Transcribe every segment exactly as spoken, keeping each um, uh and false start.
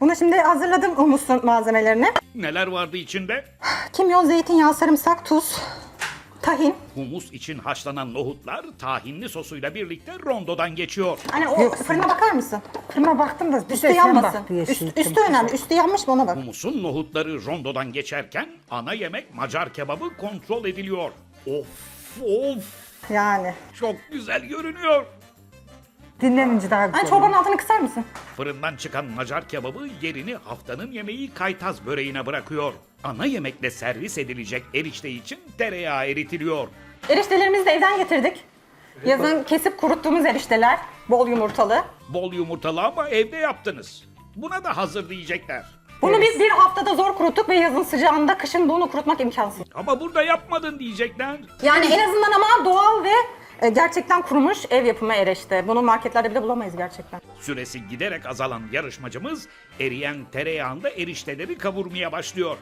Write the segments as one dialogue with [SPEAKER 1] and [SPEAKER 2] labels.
[SPEAKER 1] Bunu şimdi hazırladım humusun malzemelerini.
[SPEAKER 2] Neler vardı içinde?
[SPEAKER 1] Kimyon, zeytinyağı, sarımsak, tuz, tahin.
[SPEAKER 2] Humus için haşlanan nohutlar tahinli sosuyla birlikte rondodan geçiyor.
[SPEAKER 1] Hani o fırına bakar mısın?
[SPEAKER 3] Fırına baktım da bir
[SPEAKER 1] Üstü
[SPEAKER 3] de sen
[SPEAKER 1] yanmasın.
[SPEAKER 3] bak diye
[SPEAKER 1] Üst,
[SPEAKER 3] şey
[SPEAKER 1] üstü
[SPEAKER 3] ettim.
[SPEAKER 1] önemli. Üstü yanmış mı ona bak.
[SPEAKER 2] Humusun nohutları rondodan geçerken ana yemek Macar kebabı kontrol ediliyor. Of of,
[SPEAKER 1] Yani.
[SPEAKER 2] çok güzel görünüyor.
[SPEAKER 3] Dinlenince daha güzel.
[SPEAKER 1] Hani çorbanın altını kısar mısın?
[SPEAKER 2] Fırından çıkan Macar kebabı yerini haftanın yemeği kaytaz böreğine bırakıyor. Ana yemekle servis edilecek erişte için tereyağı eritiliyor.
[SPEAKER 1] Eriştelerimizi de evden getirdik. Yazın kesip kuruttuğumuz erişteler. Bol yumurtalı.
[SPEAKER 2] Bol yumurtalı ama evde yaptınız. Buna da hazır diyecekler.
[SPEAKER 1] Bunu biz bir haftada zor kuruttuk ve yazın sıcağında kışın bunu kurutmak imkansız.
[SPEAKER 2] Ama burada yapmadın diyecekler.
[SPEAKER 1] Yani en azından ama doğal ve e, gerçekten kurumuş ev yapımı erişte. Bunu marketlerde bile bulamayız gerçekten.
[SPEAKER 2] Süresi giderek azalan yarışmacımız eriyen tereyağında erişteleri kavurmaya başlıyor.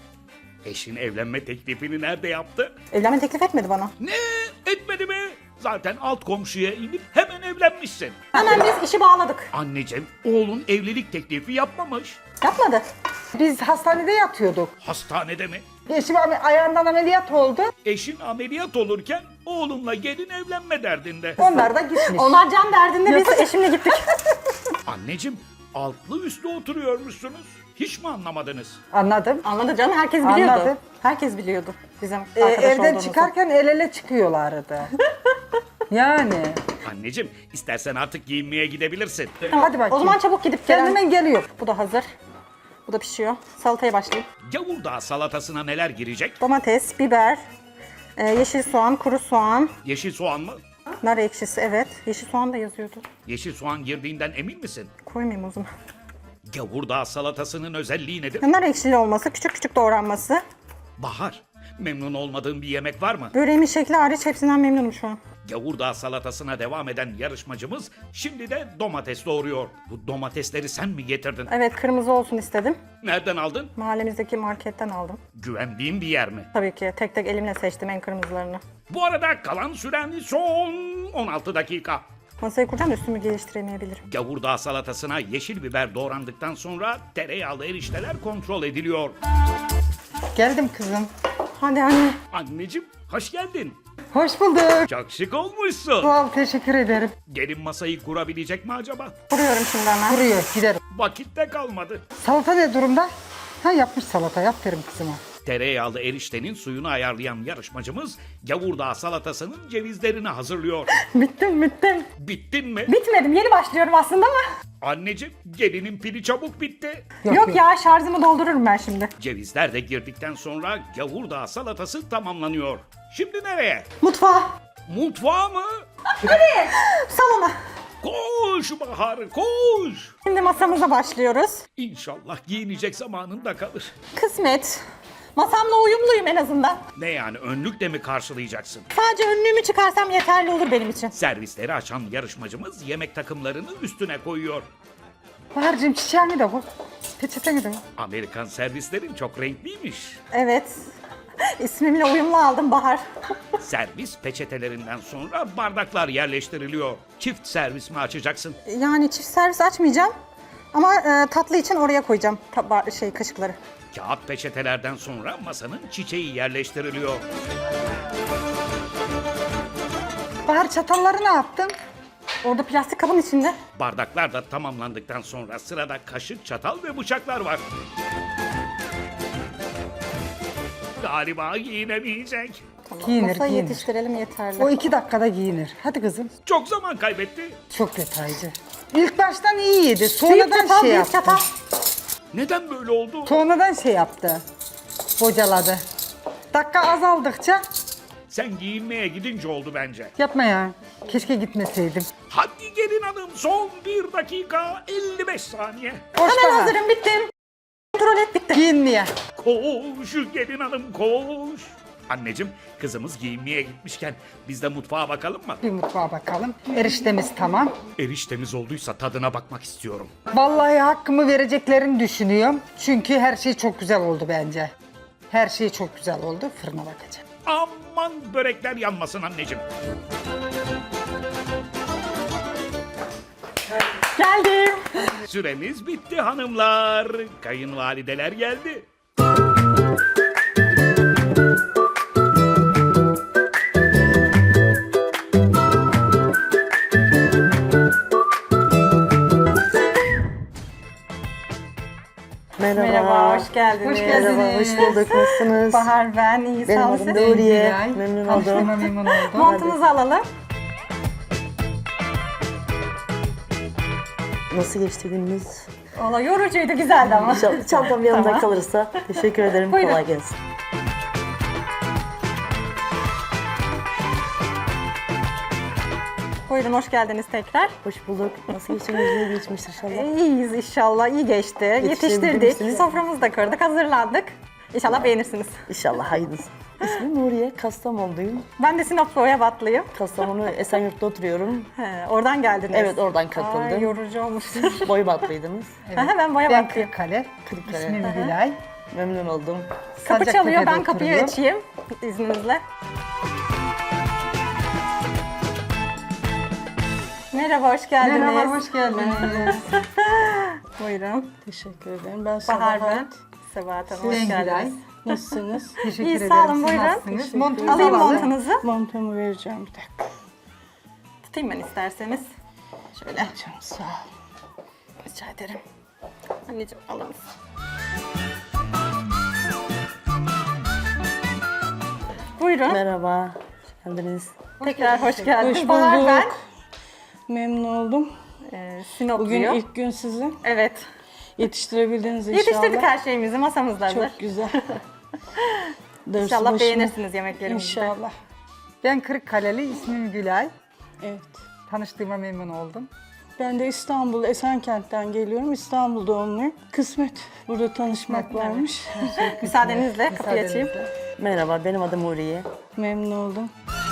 [SPEAKER 2] Eşin evlenme teklifini nerede yaptı?
[SPEAKER 1] Evlenme teklif etmedi bana.
[SPEAKER 2] Ne? Etmedi mi? Zaten alt komşuya inip hemen evlenmişsin.
[SPEAKER 1] Hemen biz işi bağladık.
[SPEAKER 2] Anneciğim, oğlun evlilik teklifi yapmamış.
[SPEAKER 1] Yapmadı.
[SPEAKER 3] Biz hastanede yatıyorduk.
[SPEAKER 2] Hastanede mi?
[SPEAKER 3] Eşim ame- ayağından ameliyat oldu.
[SPEAKER 2] Eşin ameliyat olurken oğlunla gelin evlenme derdinde.
[SPEAKER 3] Onlar da gitmiş.
[SPEAKER 1] Onlar can derdinde biz eşimle gittik.
[SPEAKER 2] Anneciğim, altlı üstlü oturuyormuşsunuz. Hiç mi anlamadınız?
[SPEAKER 3] Anladım.
[SPEAKER 1] Anladı canım, herkes biliyordu.
[SPEAKER 3] Anladım.
[SPEAKER 1] Herkes biliyordu bizim
[SPEAKER 3] Ee,
[SPEAKER 1] arkadaş
[SPEAKER 3] evden
[SPEAKER 1] olduğumuzu.
[SPEAKER 3] çıkarken el ele çıkıyorlardı. Yani.
[SPEAKER 2] Anneciğim, istersen artık giyinmeye gidebilirsin.
[SPEAKER 3] Hadi bakayım.
[SPEAKER 1] O zaman çabuk gidip
[SPEAKER 3] Sen
[SPEAKER 1] gelen.
[SPEAKER 3] hemen geliyor.
[SPEAKER 1] Bu da hazır. Bu da pişiyor. Salataya başlayayım.
[SPEAKER 2] Gavurdağ salatasına neler girecek?
[SPEAKER 1] Domates, biber, e, yeşil soğan, kuru soğan,
[SPEAKER 2] Yeşil soğan mı?
[SPEAKER 1] nar ekşisi, evet. Yeşil soğan da yazıyordu.
[SPEAKER 2] Yeşil soğan girdiğinden emin misin?
[SPEAKER 1] Koymayayım o zaman.
[SPEAKER 2] Gavurdağ salatasının özelliği nedir?
[SPEAKER 1] Nar ekşili olması, küçük küçük doğranması.
[SPEAKER 2] Bahar, memnun olmadığın bir yemek var mı?
[SPEAKER 1] Böreğimin şekli hariç hepsinden memnunum şu an.
[SPEAKER 2] Gavurdağ salatasına devam eden yarışmacımız şimdi de domates doğuruyor. Bu domatesleri sen mi getirdin?
[SPEAKER 1] Evet, kırmızı olsun istedim.
[SPEAKER 2] Nereden aldın?
[SPEAKER 1] Mahallemizdeki marketten aldım.
[SPEAKER 2] Güvendiğin bir yer mi?
[SPEAKER 1] Tabii ki tek tek elimle seçtim en kırmızılarını.
[SPEAKER 2] Bu arada kalan süren son on altı dakika.
[SPEAKER 1] Masayı kuracağım da üstümü geliştiremeyebilirim.
[SPEAKER 2] Gavurdağ salatasına yeşil biber doğrandıktan sonra tereyağlı erişteler kontrol ediliyor.
[SPEAKER 3] Geldim kızım.
[SPEAKER 1] Hadi anne.
[SPEAKER 2] Anneciğim, hoş geldin.
[SPEAKER 3] Hoş bulduk.
[SPEAKER 2] Çok şık olmuşsun.
[SPEAKER 3] Sağ ol, teşekkür ederim.
[SPEAKER 2] Gelin masayı kurabilecek mi acaba?
[SPEAKER 1] Kuruyorum şimdi hemen.
[SPEAKER 3] Kuruyor, giderim.
[SPEAKER 2] Vakit de kalmadı.
[SPEAKER 3] Salata ne durumda? Ha, yapmış salata, aferin kızıma.
[SPEAKER 2] Tereyağlı eriştenin suyunu ayarlayan yarışmacımız Gavurdağ salatasının cevizlerini hazırlıyor.
[SPEAKER 1] Bittim bittim.
[SPEAKER 2] Bittin mi?
[SPEAKER 1] Bitmedim, yeni başlıyorum aslında ama.
[SPEAKER 2] Anneciğim, gelinin pili çabuk bitti.
[SPEAKER 1] Yok,
[SPEAKER 3] Yok, yok.
[SPEAKER 1] ya, şarjımı doldururum ben şimdi.
[SPEAKER 2] Cevizler de girdikten sonra Gavurdağ salatası tamamlanıyor. Şimdi nereye?
[SPEAKER 1] Mutfağa.
[SPEAKER 2] Mutfağa mı?
[SPEAKER 1] Salona.
[SPEAKER 2] Koş Bahar, koş.
[SPEAKER 1] Şimdi masamıza başlıyoruz.
[SPEAKER 2] İnşallah giyinecek zamanın da kalır.
[SPEAKER 1] Kısmet. Masamla uyumluyum en azından.
[SPEAKER 2] Ne yani, önlükle mi karşılayacaksın?
[SPEAKER 1] Sadece önlüğümü çıkarsam yeterli olur benim için.
[SPEAKER 2] Servisleri açan yarışmacımız yemek takımlarını üstüne koyuyor.
[SPEAKER 3] Bahar'cığım çiçeğini de koy. Peçeteni de koy.
[SPEAKER 2] Amerikan servislerin çok renkliymiş.
[SPEAKER 1] Evet. İsmimle uyumlu aldım Bahar.
[SPEAKER 2] Servis peçetelerinden sonra bardaklar yerleştiriliyor. Çift servis mi açacaksın?
[SPEAKER 1] Yani çift servis açmayacağım. Ama e, tatlı için oraya koyacağım taba- şey kaşıkları.
[SPEAKER 2] Kağıt peçetelerden sonra masanın çiçeği yerleştiriliyor.
[SPEAKER 3] Bahar, çatalları ne yaptın?
[SPEAKER 1] Orada plastik kabın içinde.
[SPEAKER 2] Bardaklar da tamamlandıktan sonra sırada kaşık, çatal ve bıçaklar var. Galiba giyinemeyecek.
[SPEAKER 1] Tamam.
[SPEAKER 3] Giyinir,
[SPEAKER 1] Masayı
[SPEAKER 3] giyinir.
[SPEAKER 1] yetiştirelim yeterli.
[SPEAKER 3] O iki dakikada giyinir. Hadi kızım.
[SPEAKER 2] Çok zaman kaybetti.
[SPEAKER 3] Çok detaycı. İlk baştan iyiydi.
[SPEAKER 1] Büyük
[SPEAKER 3] Sonradan
[SPEAKER 1] çatal,
[SPEAKER 3] şey
[SPEAKER 1] büyük
[SPEAKER 3] yaptı.
[SPEAKER 1] çatal.
[SPEAKER 2] Neden böyle oldu?
[SPEAKER 3] Sonradan şey yaptı. Bocaladı. Dakika azaldıkça
[SPEAKER 2] Sen giyinmeye gidince oldu bence.
[SPEAKER 3] yapma ya. Keşke gitmeseydim.
[SPEAKER 2] Hadi gelin hanım, son bir dakika elli beş saniye.
[SPEAKER 3] Koş
[SPEAKER 1] Hemen
[SPEAKER 3] Bahar.
[SPEAKER 1] hazırım, bittim. Kontrol et, bitti.
[SPEAKER 3] Giyinmeye.
[SPEAKER 2] Koş gelin hanım, koş. Anneciğim, kızımız giyinmeye gitmişken biz de mutfağa bakalım mı?
[SPEAKER 3] Bir mutfağa bakalım. Eriştemiz tamam.
[SPEAKER 2] Eriştemiz olduysa tadına bakmak istiyorum.
[SPEAKER 3] Vallahi hakkımı vereceklerini düşünüyorum. Çünkü her şey çok güzel oldu bence. Her şey çok güzel oldu. Fırına bakacağım.
[SPEAKER 2] Aman börekler yanmasın anneciğim.
[SPEAKER 1] Geldim.
[SPEAKER 2] Süremiz bitti hanımlar. Kayınvalideler geldi.
[SPEAKER 4] Merhaba.
[SPEAKER 1] Merhaba, hoş geldiniz.
[SPEAKER 3] Hoş geldiniz.
[SPEAKER 4] Merhaba, hoş bulduk. Nasılsınız?
[SPEAKER 1] Bahar ben, iyi
[SPEAKER 4] Benim
[SPEAKER 1] sağ
[SPEAKER 4] adım
[SPEAKER 1] olun.
[SPEAKER 4] Nuriye.
[SPEAKER 3] Gülay.
[SPEAKER 4] Memnun
[SPEAKER 3] Tanıştığıma
[SPEAKER 4] oldum.
[SPEAKER 3] memnun oldum.
[SPEAKER 1] Montunuzu alalım.
[SPEAKER 4] Nasıl geçti gününüz?
[SPEAKER 1] Valla yorucuydu, güzeldi ama.
[SPEAKER 4] İnşallah çantam yanımda
[SPEAKER 1] Tamam.
[SPEAKER 4] kalırsa. Teşekkür ederim.
[SPEAKER 1] Buyurun.
[SPEAKER 4] Kolay gelsin.
[SPEAKER 1] Buyurun, hoş geldiniz tekrar.
[SPEAKER 4] Hoş bulduk. Nasıl geçti gününüz? İyi geçmiştir inşallah.
[SPEAKER 1] İyiyiz inşallah, iyi geçti. Yetiştirdik,
[SPEAKER 4] misiniz?
[SPEAKER 1] soframızı da kırdık, hazırlandık. İnşallah beğenirsiniz.
[SPEAKER 4] İnşallah hayırlısı. İsmim Nuriye. Kastamonluyum.
[SPEAKER 1] Ben de Sinop Boyabatlıyım.
[SPEAKER 4] Kastamonu Esenyurt'ta oturuyorum.
[SPEAKER 1] He, oradan geldiniz.
[SPEAKER 4] Evet, oradan katıldım.
[SPEAKER 1] Ay, yorucu olmuştur.
[SPEAKER 4] Boybatlıydınız.
[SPEAKER 1] Aha, ben
[SPEAKER 3] Ben
[SPEAKER 1] Boyabatlıyım.
[SPEAKER 3] Kırıkkale.
[SPEAKER 4] Kırıkkale.
[SPEAKER 3] İsmim Gülay.
[SPEAKER 4] Memnun oldum.
[SPEAKER 1] Kapı çalıyor, ben
[SPEAKER 3] Sancaktepe'de
[SPEAKER 1] kapıyı
[SPEAKER 3] oturuyorum.
[SPEAKER 1] açayım izninizle. Merhaba, hoş geldiniz.
[SPEAKER 3] Merhaba, hoş geldiniz.
[SPEAKER 1] Buyurun.
[SPEAKER 5] Teşekkür ederim. Ben
[SPEAKER 1] Bahar
[SPEAKER 5] Sabahat.
[SPEAKER 1] ben. Sebahat Hanım, hoş
[SPEAKER 3] Ben Gülay.
[SPEAKER 1] geldiniz.
[SPEAKER 5] Nasılsınız?
[SPEAKER 3] Teşekkür
[SPEAKER 1] İyi,
[SPEAKER 3] ederim.
[SPEAKER 1] sağ olun,
[SPEAKER 3] Siz
[SPEAKER 1] buyurun.
[SPEAKER 3] nasılsınız?
[SPEAKER 5] Teşekkür
[SPEAKER 3] Montunuzu
[SPEAKER 1] Alayım
[SPEAKER 3] alalım.
[SPEAKER 1] montunuzu.
[SPEAKER 5] Montumu vereceğim bir dakika.
[SPEAKER 1] Tutayım ben isterseniz. Şöyle.
[SPEAKER 5] Canım sağ ol.
[SPEAKER 1] Rica ederim. Anneciğim alır mısın? Buyurun.
[SPEAKER 4] Merhaba. Hoş geldiniz.
[SPEAKER 1] Tekrar hoş geldiniz.
[SPEAKER 5] Hoş
[SPEAKER 1] Bahar
[SPEAKER 5] bulduk.
[SPEAKER 1] ben.
[SPEAKER 5] Memnun oldum.
[SPEAKER 1] Ee,
[SPEAKER 5] Bugün
[SPEAKER 1] Sinopluyum.
[SPEAKER 5] ilk gün sizin.
[SPEAKER 1] Evet.
[SPEAKER 5] Yetiştirebildiniz inşallah.
[SPEAKER 1] Yetiştirdik her şeyimizi. Masamız da hazır.
[SPEAKER 5] Çok güzel. Darısı
[SPEAKER 1] İnşallah
[SPEAKER 5] başıma.
[SPEAKER 1] beğenirsiniz yemeklerimizi.
[SPEAKER 5] İnşallah.
[SPEAKER 3] Ben Kırıkkaleli, ismim Gülay.
[SPEAKER 5] Evet.
[SPEAKER 3] Tanıştığıma memnun oldum.
[SPEAKER 5] Ben de İstanbul, Esenkent'ten geliyorum. İstanbul doğumluyum. Kısmet. Burada tanışmak varmış.
[SPEAKER 1] Müsaadenizle kapıyı açayım.
[SPEAKER 4] Merhaba. Benim adım Nuriye.
[SPEAKER 5] Memnun oldum.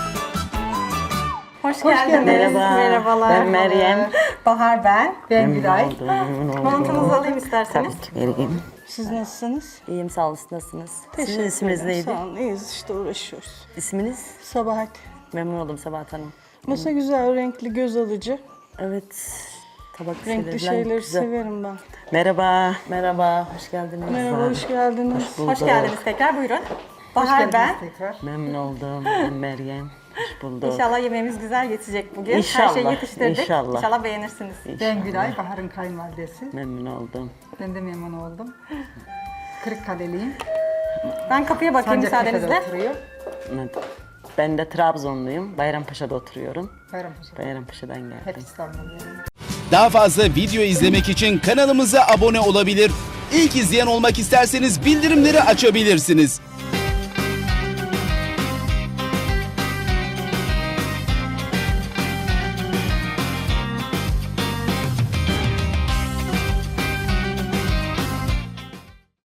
[SPEAKER 1] Hoş, geldiniz.
[SPEAKER 4] Merhaba.
[SPEAKER 1] Merhabalar.
[SPEAKER 4] Ben Meryem.
[SPEAKER 1] Bahar ben.
[SPEAKER 3] Ben Gülay.
[SPEAKER 4] Oldum, memnun oldum.
[SPEAKER 1] Montunuzu alayım isterseniz.
[SPEAKER 4] Tabii ki vereyim.
[SPEAKER 5] Siz nasılsınız?
[SPEAKER 4] İyiyim, sağ olun. Siz nasılsınız? Sizin
[SPEAKER 5] Teşekkür
[SPEAKER 4] isminiz
[SPEAKER 5] ederim.
[SPEAKER 4] neydi?
[SPEAKER 5] Sağ olun. İyiyiz işte uğraşıyoruz.
[SPEAKER 4] İsminiz?
[SPEAKER 5] Sabahat.
[SPEAKER 4] Memnun oldum Sabahat Hanım.
[SPEAKER 5] Masa güzel, renkli, göz alıcı.
[SPEAKER 4] Evet. Tabak
[SPEAKER 5] Renkli
[SPEAKER 4] serilen
[SPEAKER 5] şeyleri
[SPEAKER 4] güzel.
[SPEAKER 5] severim ben.
[SPEAKER 4] Merhaba. Merhaba. Hoş geldiniz.
[SPEAKER 5] Merhaba, hoş geldiniz.
[SPEAKER 1] Hoş geldiniz tekrar. Buyurun. Bahar ben.
[SPEAKER 3] Tekrar.
[SPEAKER 4] Memnun oldum. Ben Meryem. Hoş bulduk.
[SPEAKER 1] İnşallah yemeğimiz güzel geçecek bugün. Her
[SPEAKER 4] İnşallah,
[SPEAKER 1] şeyi yetiştirdik.
[SPEAKER 4] inşallah.
[SPEAKER 1] İnşallah beğenirsiniz.
[SPEAKER 3] Ben Gülay, Bahar'ın kayınvalidesi.
[SPEAKER 4] Memnun oldum.
[SPEAKER 3] Ben de memnun oldum. Kırıkkaleliyim.
[SPEAKER 1] Ben kapıya bakayım
[SPEAKER 3] Sancaktepe'de
[SPEAKER 1] müsaadenizle.
[SPEAKER 3] oturuyor.
[SPEAKER 4] Evet. Ben de Trabzonluyum. Bayrampaşa'da oturuyorum.
[SPEAKER 3] Bayrampaşa.
[SPEAKER 4] Bayrampaşa'dan geldim.
[SPEAKER 3] Hep İstanbul'da.
[SPEAKER 6] Daha fazla video izlemek için kanalımıza abone olabilir. İlk izleyen olmak isterseniz bildirimleri açabilirsiniz.